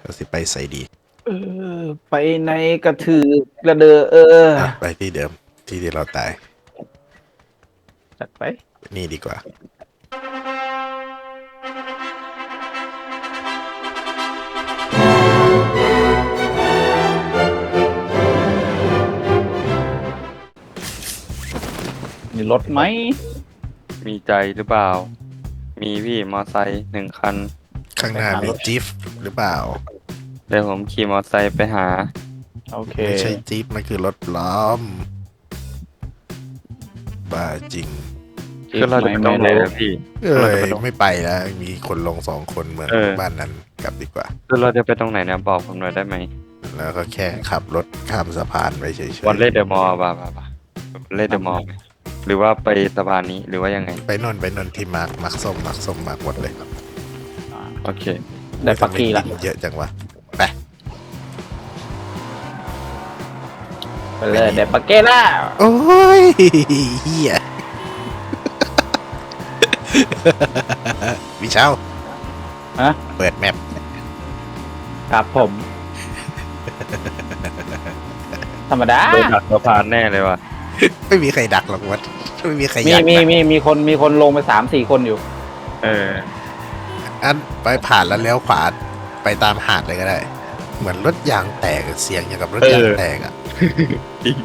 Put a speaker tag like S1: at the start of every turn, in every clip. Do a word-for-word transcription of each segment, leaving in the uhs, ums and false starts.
S1: เราสิไปใส่ดี
S2: เออไปในกระถือกระเดอเออ
S1: อ่ะไปที่เดิมที่ที่เราตาย
S2: จัดไป
S1: นี่ดีกว่า
S2: มีรถไหม
S3: มีใจหรือเปล่า มีพี่มอไซค์หนึ่งคัน
S1: ข้างหน้ามีจิ๊บหรือเปล่า
S3: เดี๋ยวผมขี่มอไซค์ไปหา
S2: โอเค
S1: ไม่ใช่จิ๊บมันคือรถล้อม บ้าจริง
S3: คือเราจะไปตรงไหนนะพี่
S1: เอ้
S3: เราจะ
S1: ย
S3: ไปตรง
S1: ไม่ไปแล้ว มีคนลงสองคนเหมือน
S3: เออ
S1: บ้านนั้นกลับดีกว่า
S3: คือเราจะไปตรงไหนนะบอกผมหน่อยได้ไหม
S1: แล้วก็แค่ขับรถข้ามสะพานไปเฉย
S3: วันเล่เดอะมอลล์ป่ะป่ะป่ะวันเล่เดอะมอลล์ไหมหรือว่าไปสะพานนี้หรือว่ายังไง
S1: ๆไปนนไปนนที่มาร์กมาร์กส้มมาร์กส้มมาร์กหมดเลย
S3: โอเค
S2: ได้ปักกี้ละ
S1: ทำไมเยอะจังวะไป
S2: ไปเลยเด็ดปักเก้ล่า
S1: โอ้ยเฮีย วิเช้า
S2: ฮะ
S1: เปิดแมป
S2: ครับผม ธรรมดา
S3: โดนดักสะพานแน่เลยว่ะ
S1: ไม่มีใครดักหรอกวัดไม่มีใครอ
S2: มี
S1: ยาก
S2: มี
S1: ดัก
S2: มีมีคนมีคนลงไปสามสี่คนอยู่
S3: เออ
S1: อันไปผ่านแล้วเลี้ยวขวาไปตามหาดเลยก็ได้ เหมือนรถยางแตกเสียงอย่างกับรถยาง
S3: เออ
S1: แตกอ่ะ
S3: จริง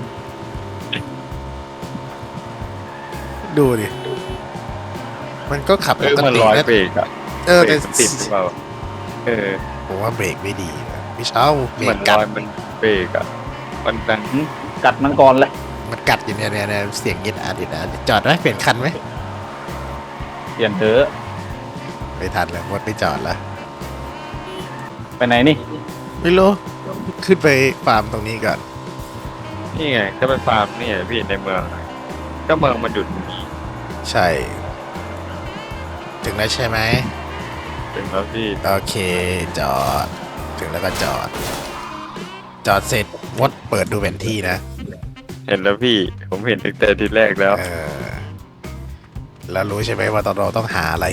S1: ดูดิ มันก็ขับ
S3: เอ
S1: ป
S3: อก มัน
S1: ติ
S3: ร้อย
S1: นะ
S3: เบรกอะ
S1: เออ
S3: เบร
S1: แต่
S3: กมันติดหรือเปล่าเออ
S1: ผมว่าเบรกไม่ดีนะวิเช้าเบร
S3: เหมื
S1: ก
S3: อน
S1: กั
S3: ร้
S1: ด
S3: อยมันเบรกอะมันดัง
S2: กัดมันก่อนเลย
S1: มันกัดอยู่เนี่ยเนี่ยเนี่ยเสียงเย็นอาดิดอาดิดจอดไหมเปลี่ยนคันไหม
S2: เปลี่ยนเถอะ
S1: ไม่ทันแล้วหมดไปจอดแล้ว
S2: ไปไหนนี่
S1: ไม่รู้ ขึ้นไปฟาร์มตรงนี้ก่อน
S3: นี่ไงก็ไปฟาร์มนี่ไงพี่ในเมืองอะก็เมืองมันหยุดอย่างนี้
S1: ใช่ ถึงแล้วใช่ไหม
S3: ถึงแล้วพี่
S1: โอเค จอด ถึงแล้วก็จอด จอดเสร็จมดเปิดดูแผนที่นะ
S3: เห็นแล้วพี่ผมเห็นตั้งแต่ทีแรกแล้ว
S1: เออ แล้วรู้ใช่ไหมว่าตอนเราต้องหาอะไร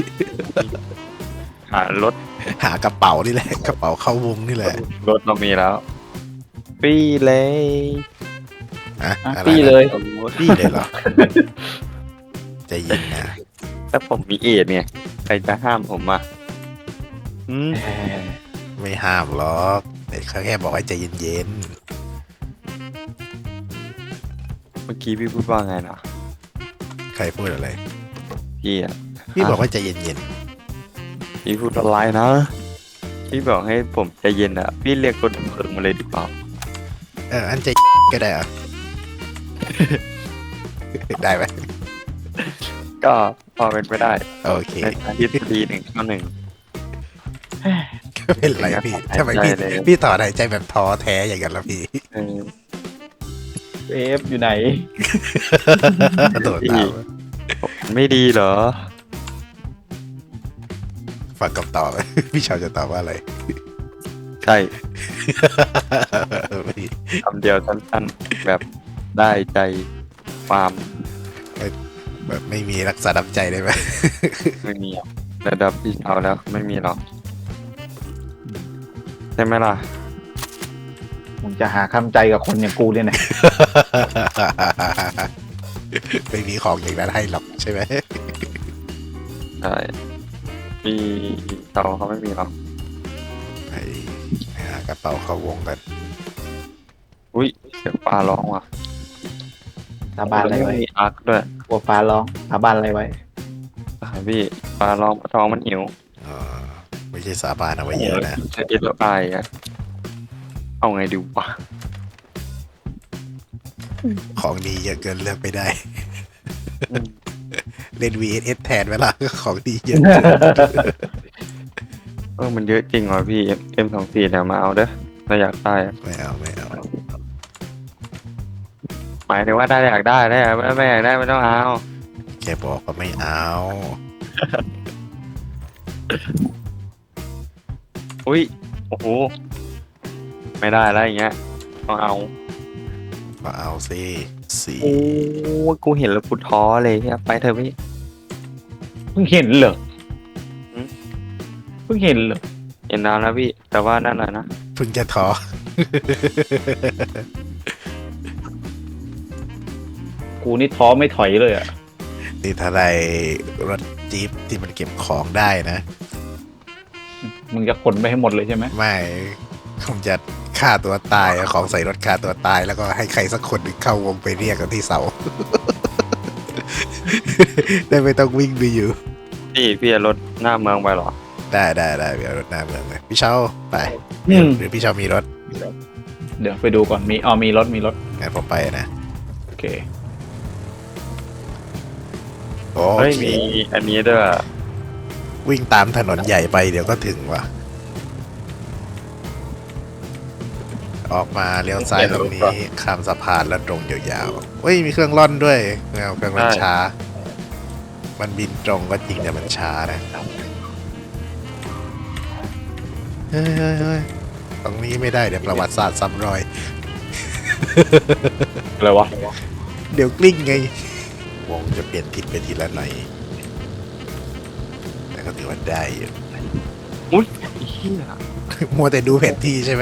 S3: หารถ
S1: หากระเป๋านี่แหละ กระเป๋าเข้าวงนี่แหละ
S3: รถเรามีแล้วปีเลย
S1: อะ
S2: อ่ะ
S1: อะไร
S2: ปี้เลย
S1: ปี้เลยเหรอ ใจเย็นนะ
S3: ถ้าผมมีเอดเนี่ยใครจะห้ามผมอ่ะอืม
S2: เออ
S1: ไม่ห้ามหรอกแต่เขาแค่บอกให้ใจเย็น
S3: เมื่อกี้พี่พูดว่าไงนะ
S1: ๆ ใครพูดอะไร
S3: พี่อ่ะ
S1: พี่บอกว่าใจเย็น
S3: พี่พูดอะไรนะพี่บอกให้ผมใจเย็นอ่ะพี่เรียกคนเพิงมาเลยดีกว่า
S1: ๆ เออ อันใจก็ได้เหรอะ ได้ไหม
S3: ก็พอเป็นไปได้
S1: โอเค
S3: ในทางทฤษฎีหนึ่งข้อหนึ่ง
S1: ไม่เป็นไรพี่ทำไมพี่
S3: ได้เลย
S1: พี่ต่อหายใจแบบท้อแท้อย่างนั้นละพี่
S3: เออ
S2: เอฟอยู่ไหน
S1: โดดตาม
S3: ไม่ดีเหรอ
S1: ฟังคำตอบ พี่ชาวจะตอบว่าอะไร
S3: ใช่
S1: ไม่
S3: คำเดียวสั้นๆแบบได้ใจความ
S1: แบบไม่มีรักษาน้ำใจได้ไหม
S3: ไม่มีอะระดับพี่เอาแล้วไม่มีหรอกใช่ไหมล่ะ
S2: มึงจะหาคำใจกับคนอย่างกูเนี่ยนะ
S1: ไม่มีของอย่างนั้นให้หรอกใช่ไหม
S3: ใช่พี่เขาเขาไม่มีหรอก
S1: ไปหากระเป๋าเข้าวงกัน
S3: อุ้ยเสียงปลาร้องว่ะ
S2: สาบานอะไรไว้
S3: มีอาร์คด้วย
S2: กลัวฟ้าร้องสาบานอะไรไว้
S3: อ่าพี่ปลาร้องท้องมันหิว
S1: อ๋อไม่ใช่สาบานเอาไว้เยอะนะ
S3: จะเอ็ดแล้วไออะเอาไงดีวะ
S1: ของดีเยอะเกินเลือกไม่ได้ เล่น วี เอส เอส แทนเวลาของดีเยอะ
S3: เออมันเยอะจริงว่ะพี่เอ็มสองสี่เนี่ยมาเอาเด้อเราอยากได้อะ
S1: ไม่เอาไม่เอา
S3: หมายถึงว่าได้อยากได้ได้ไม่ไม่อยากได้ไม่ต้องเอา
S1: แค่บอกว่าไม่เอา
S3: อุ้ยโอ้โหไม่ได้แล้วอย่างเงี้ยต้องเอา
S1: ก็เอาสิสี
S3: โอ้กูเห็นแล้วกูท้อเลยเนี่ยไปเถอะพี่
S2: เพิ่งเห็นเหรอ
S3: หืม
S2: เพิ่งเห็นเหรอ
S3: เห็นนานแล้วพี่ แต่ว่านั่นแหละนะ
S1: เพิ่งจะท้อ
S2: กูนี่ท้อไม่ถอยเลยอ่ะ
S1: นี่ถ้าได้รถจี๊ปที่มันเก็บของได้นะ
S2: มึงจะขนไปให้หมดเลยใช่ไหม
S1: ไม่ผมจะฆ่าตัวตายเอาของใส่รถฆ่าตัวตายแล้วก็ให้ใครสักคนหนึ่งเข้าวงไปเรียกกันที่เสา ได้ไม่ต้องวิ่งไปอยู่
S3: พี่พี่จะรถหน้าเมืองไปเหรอ
S1: ได้ได้ได้เดี๋ยวรถหน้าเมืองเลยพี่เชาไป
S2: อืม
S1: หรือพี่เชามีรถ
S2: เดี๋ยวไปดูก่อนมีอ๋อมีรถมีรถ
S1: งั้นผมไปนะ
S2: โอเค
S1: โอ้
S3: เฮ้ย
S1: มี
S3: มีอันนี้ด้วย
S1: วิ่งตามถนนใหญ่ไปเดี๋ยวก็ถึงว่ะ ออกมาเลี้ยวซ้ายตรงนี้ข้ามสะพานแล้วตรงยาวๆเฮ้ยมีเครื่องร่อนด้วยไม่เอาเครื่องร่อนช้า มันบินตรงก็จริงแต่มันช้านะเฮ้ยเฮ้ยเฮ้ยตรงนี้ไม่ได้เดี๋ยวประวัติศาสตร์ซ้ำรอย
S2: อะไรวะ
S1: เดี๋ยวกลิ้งไง วงจะเปลี่ยนทิศไปทีละหน่อยแต่ก็ถือว่าได้อยู่
S3: อุ้ยเฮีย
S1: มัวแต่ดูแผนที่ใช่ไหม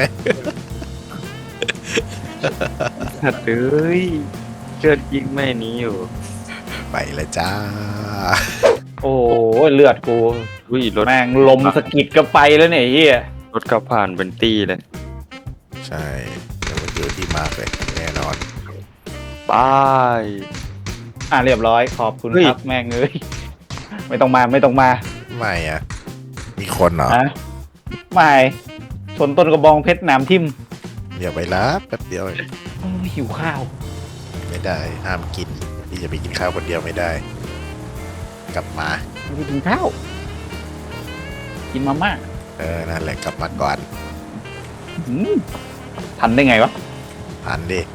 S3: สัตว์เอ้ยเชิดยิงแม่นี้อยู่
S1: ไปแล้วจ้า
S2: โอ้ยเลือดกู
S3: อุ้ยรถ
S2: แม่งลมสะกิดก็ไปแล้วเนี่ยไอ้เฮีย
S3: รถขับผ่านเป็นตี้เลย
S1: ใช่เดี๋ยวมันอยู่ที่มาร์กเลยแน่นอน
S3: บาย
S2: อ่ะเรียบร้อยขอบคุณ
S3: เฮ้ย
S2: ครับแม่งเอ้ยไม่ต้องมาไม่ต้องมา
S1: ไม่อะมีคนเหรอ
S2: ฮะไม่ชนต้นกระบองเพชรหนามทิ่ม
S1: เดี๋ยวไปรับแป๊บเดียวเอง
S2: โอ้ยหิวข้าว
S1: ไม่ได้ห้ามกินพี่จะไปกินข้าวคนเดียวไม่ได้ กลับมา
S2: ไม่ได้กินข้าวกินมาม่า
S1: เออนั่นแหละกลับมาก่อน
S2: อืมทันได้ไงวะ
S1: ผ่านดิ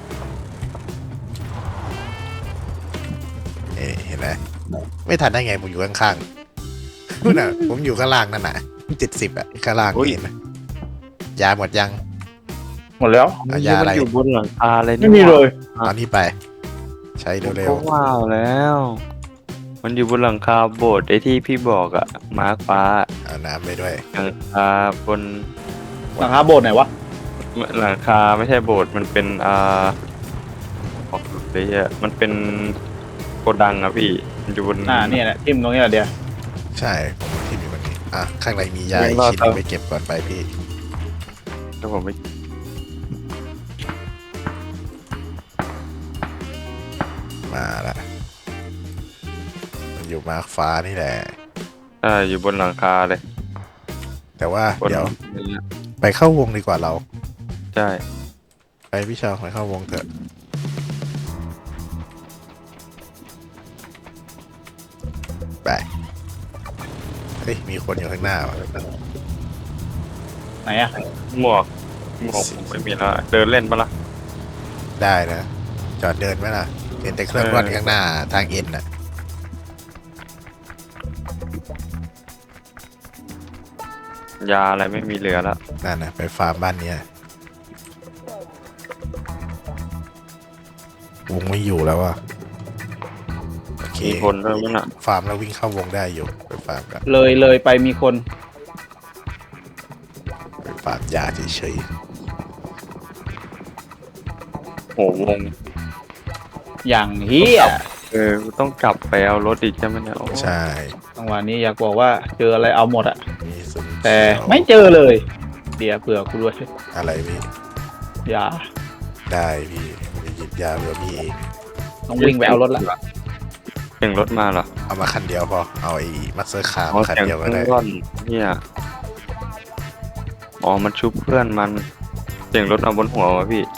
S1: เอ๊ะเห็นไหมไม่ทันได้ไงผมอยู่ข้างๆนู่นน่ะผมอยู่ข้างล่างนั่นน่ะเจ็ดสิบอะข้างล่างเห็นไหมยาหมดยัง
S2: หมดแล้ว
S1: เอายาอะไร
S3: มันอยู่บนหลังคาเลย
S2: ไม่มีเลย
S1: เอานี่ไป ใช้
S3: ผม
S1: เร็
S3: ก็
S1: ว
S3: ว้าวแล้ว มันอยู่บนหลังคาโบสถ์ไอ้ที่พี่บอกอะมาร์คฟ้า
S1: ๆเอาน้ำไปด้วย
S3: หลังคาบน
S2: หลังคาโบสถ์ไหนวะ
S3: หลังคาไม่ใช่โบสถ์มันเป็นอ่าออกเลยอะมันเป็นโกดังอะพี่มันอยู่บน
S2: อ่าเนี่ยแหละทิ่มตรงนี้แหละเดียว
S1: ใช่ผมที่มีวันนี้อ่ะข้างในมียาอีกชิ้นหนึงไปเก็บก่อนไปพี่
S3: ถ้าผมไม่
S1: มาละมันอยู่มาร์คฟ้านี่แหละ
S3: อ่าอยู่บนหลังคาเลย
S1: แต่ว่า
S3: บน
S1: เดี๋ยวไปเข้าวงดีกว่าเรา
S3: ใช่
S1: ไปพี่ชาวไปเข้าวงเถอะไปเฮ้ยมีคนอยู่ข้างหน้าว่ะ
S2: ไหนอะ
S3: หมวกหมวกผมไม่มีแล้วเดินเล่นปะล่ะ
S1: ได้นะ จอดเดินไหมล่ะเห็นแต่เครื่องร่อนข้างหน้าทางเอ็นน่ะ
S3: ยาอะไรไม่มีเหลือแล้ว
S1: นั่นนะไปฟาร์มบ้านเนี้ยวงไม่อยู่แล้วอ่ะโอเค
S3: มีคนด้วยมั้งอ่ะ
S1: ฟาร์มแล้ววิ่งเข้าวงได้อยู่ไปฟาร์มกัน
S2: เลยเลยไปมีคน
S1: ไปฟาร์มยาเฉย
S3: โหวง
S2: อย่างเฮีย
S3: เออต้องกลับไปเอารถอีกใช่ไหมเนี่ยโอ้
S1: ๆใช่
S2: จังหวะนี้อยากบอกว่าเจออะไรเอาหมดอะ
S1: มีสุน
S2: แต่
S1: เขียว
S2: ไม่เจอเลย เดี๋ยวเผื่อกูด้วย
S1: อะไรพี่
S2: อย่า
S1: ได้พี่ไปหยิบยาเพื่อพี่เอง
S2: ต้องวิ่งไปเอารถละ
S3: เสียงรถมาเหรอ
S1: เอามาคันเดียวพอเอาไอ้มัสเซอร์คาร์
S3: อ๋อ
S1: มาคัน
S3: เสียง
S1: เดียว
S3: เค
S1: ก็
S3: รื่อง
S1: ได้
S3: ร่อนเนี่ยอ๋อมันชุบเพื่อนมันเสียงรถเอาบนหัววะพี่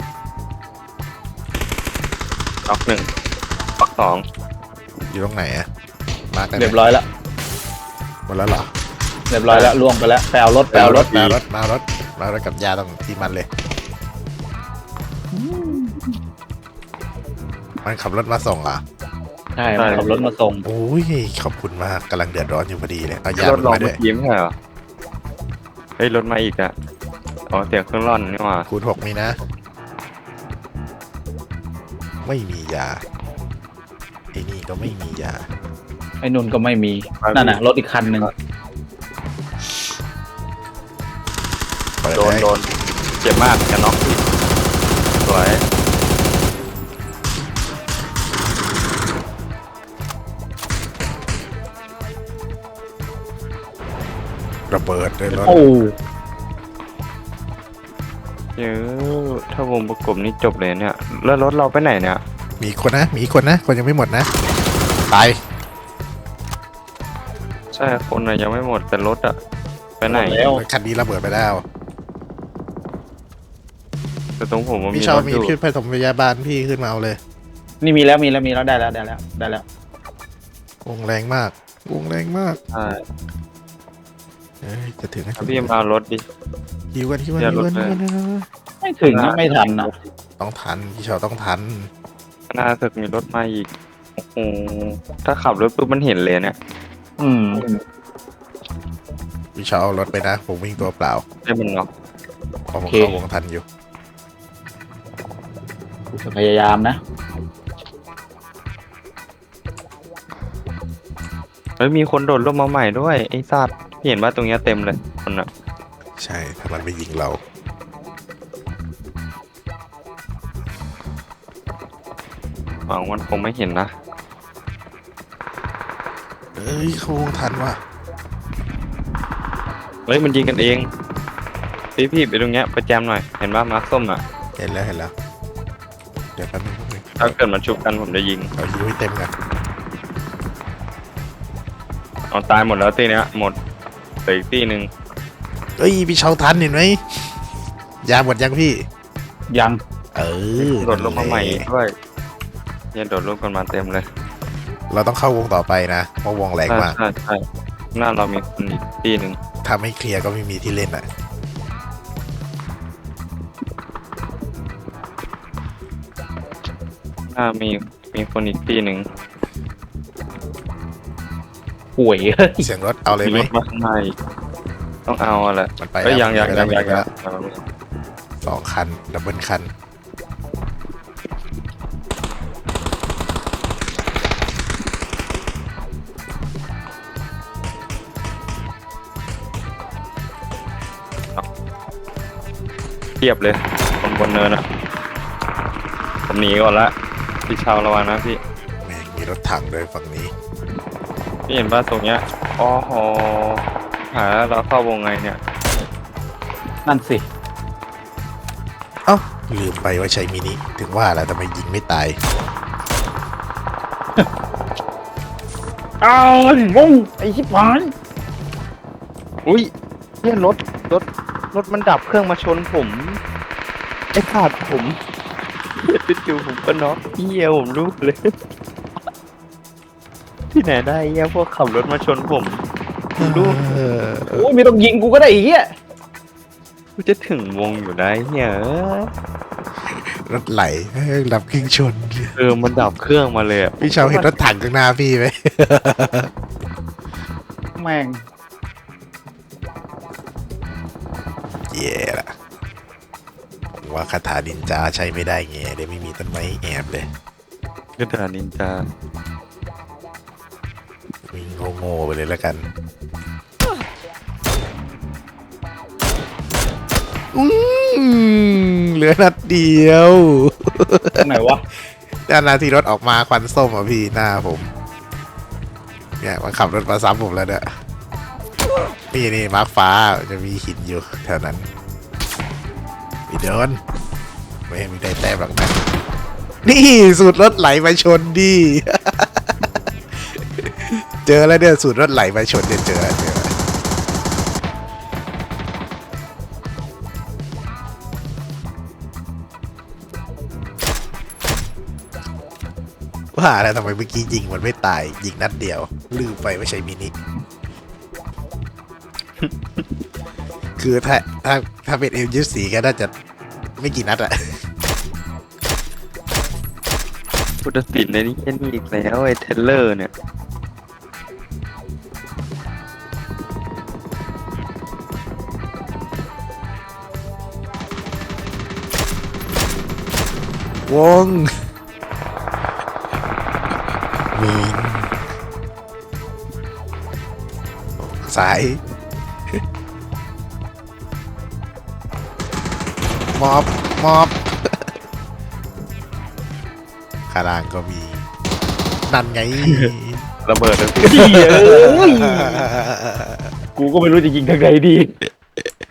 S3: ล็อกหนึ่งล็อกสอง
S1: อยู่ตรงไหนอะมาร์กได้ไหม
S2: เรียบร้อยแล้ว
S1: หมดแล้วเหรอ
S2: เรียบร้อยแล้วล่วงไปแล้วไปเอารถไปเอารถ
S1: มารถมารถมารถกับยาตรงที่มันเลย มันขับรถมาส่งเหรอ่ะ
S2: ใช่มันขับรถมาส่ง
S1: โอ้ยขอบคุณมากกำลังเดือดร้อนอยู่พอดีเลยเอายาร
S3: ถ
S1: มัน
S3: ลอง
S1: มาด้
S3: เมื่
S1: ว
S3: อย กี้ไม่ใช่เหรอเฮ้ยรถมาอีกอ่ะอ๋อเสียงเครื่องร่อนนี่หว่า
S1: คูณหกนี่นะ ไม่มียาไอ้นี่ก็ไม่มียา
S2: ไอ้นุ่นก็ไม่มีนั่นน่ะรถอีกคันหนึ่ง
S3: นโดนเจ็บมากจะน็อกพี่สวย
S1: ระเบิดเลยรถ
S2: โอ้
S3: เยอะถ้าวงประกบนี่จบเลยเนี่ยแล้วรถเราไปไหนเนี่ย
S1: มีคนนะ มีคนนะ คนยังไม่หมดนะ ตาย
S3: ใช่คนอะยังไม่หมดแต่รถอะไปไหน
S2: แล้ว
S1: คันนี้ระเบิดไปแล้ว
S3: แต่ตรงผมมันมี
S1: พี่ชาว
S3: รถ
S1: มี
S3: อยู่
S1: ขึ้นไปถมพยาบาลพี่ขึ้นมาเอาเลย
S2: นี่มีแล้วมีแล้วมีแล้วได้แล้วได้แล้วได้แล้ว
S1: วงแรงมาก วงแรงมาก
S3: ใช่
S1: เอ้ยจะถึงนะ
S3: ถ้าพี่มารถดิ
S1: ฮิวกันฮิวกัน
S3: อย่า
S1: ฮิวกัน
S3: ลด
S1: ฮิว
S3: เลย
S1: กันฮิวกัน
S2: ไม่ถึงนะไม่ทันนะ
S1: ต้องทัน พี่ชาวต้องทัน
S3: หน้าตึกมีรถมาอีกโอ้โหถ้าขับรถปุ๊บมันเห็นเลยเนี่ย
S2: อืม
S1: พี่ชาวเอารถไปนะ ผมวิ่งตัวเปล่า
S3: ให้มันน็อก
S1: เพราะผมเข้าวงทันอยู่
S2: จะพยายามนะ
S3: เฮ้ยมีคนโดดร่มมาใหม่ด้วยไอ้สัตว์พี่เห็นว่าตรงเนี้ยเต็มเลยคนอะ
S1: ใช่ ถ้ามันไม่ยิงเรา
S3: หวังมันคงไม่เห็นนะ
S1: เอ้ยเข้าวงทันว่ะ
S3: เฮ้ยมันยิงกันเองพี่พี่ไปตรงเนี้ยไปแจมหน่อยเห็นว่ามาร์คส้มอ่ะ
S1: เห็นแล้วเห็นแล้ว เดี๋ยวแป๊บนึงแป๊บนึง
S3: ถ้าเกิดมันชุบกันผมจะยิง
S1: เอาฮิวให้เต็มกัน
S3: เอาตายหมดแล้วตีเนี้ยหมดเหลืออีกตีหนึ่ง
S1: เอ้ย พี่ชาวทันเห็นไหมยาหมดยังพี่
S2: ยัง
S1: เออ
S3: โดดลงมาใหม่อีกด้วยเนี่ยโดดลงกันมาเต็มเลย
S1: เราต้องเข้าวงต่อไปนะ เพราะวงแรง
S3: ใช่
S1: มาก
S3: ใช่ใช่หน้าเรามีคนอีกตีหนึ่ง
S1: ถ้าไม่เคลียร์ก็ไม่มีที่เล่นอ่ะ
S3: หน้ามีมีคนอีกตีหนึ่ง
S2: ป่วย
S1: เสียงรถเอาเลยไหม
S3: รถมาข้างในต้องเอาอะไร
S1: มันไป
S3: เอ้ย
S1: แล้ว
S3: ยังยัง
S1: มันไป
S3: ยัง
S1: แล้ว
S3: ยัง
S1: มันไป
S3: ยัง
S1: แล้วสองคัน ดับเบิลคัน
S3: เทียบเลยคนบนเนินอ่ะผมหนีก่อนละพี่ชาวระวังนะพี่
S1: แม่งมีรถถังเลยฝั่งนี้
S3: พี่เห็นว่าตรงเนี้ยอ๋อโหหาแล้วเราเข้าวงไงเนี่ย
S2: นั่นสิ
S1: เอ้า ลืมไปว่าใช้มินิ ถึงว่าแล้วทำไมยิงไม่ตาย
S2: อ้าวงงไอ้ชิบหาย
S3: อุ้ยเนี่ยรถรถรถมันดับเครื่องมาชนผมไอ้ขาดผมจู่ๆผมก็น็อกเหี้ยผมรู้เลย ที่ไหนได้เหี้ยพวกขับรถมาชนผมผมรู้
S1: เออ
S2: โอ้ยไม่ต้องยิงกูก็ได้อีกอ่ะ
S3: กูจะถึงวงอยู่ได้เหี้ย
S1: รถไหลเฮ้ยรับเครื่องชน
S3: เออมันดับเครื่องมาเลยอะ
S1: พี่ชาวเห็นรถถังข้างหน้าพี่ไหม
S2: แม่ง
S1: เย่ละผมว่าคาถาดินจาใช้ไม่ได้ไงเดี๋ยวไม่มีต้นไม้แอบเลย
S3: กระดาษนินจา
S1: วิ่งโง่ๆไปเลยแล้วกัน อืมเหลือนัดเดียว
S2: ตรงไหนวะ
S1: ด้านหน้าที่รถออกมาควันส้มอ่ะพี่หน้าผม เนี่ยมันขับรถมาซ้ำผมแล้วเนี่ยนี่นี่มาร์คฟ้าจะมีหินอยู่แถวนั้นพี่เดินไม่ให้มีได้แต้มหรอกนะนี่สูตรรถไหลมาชนดิ เจอแล้วเนี่ยสูตรรถไหลมาชนเนี่ยเจอแล้วเจอแล้วว่าแล้วทำไมเมื่อกี้ยิงมันไม่ตายยิงนัดเดียว ลืมไปไม่ใช่มินิ คือถ้าถ้าถ้าเป็นเอ็มยี่สี่ก็น่าจะไม่กี่นัดอะ
S3: พุทธศิลป์ในนี้แค่นี้อีกแล้วไอ้เทเลอร์เนี่ย
S1: วงมิงสายมอบมอบข้างล่างก็มีนั่นไง
S3: ระเบิดแล้วพี่
S2: เหี้ยเอ้ยกูก็ไม่รู้จะยิงทางไหนดี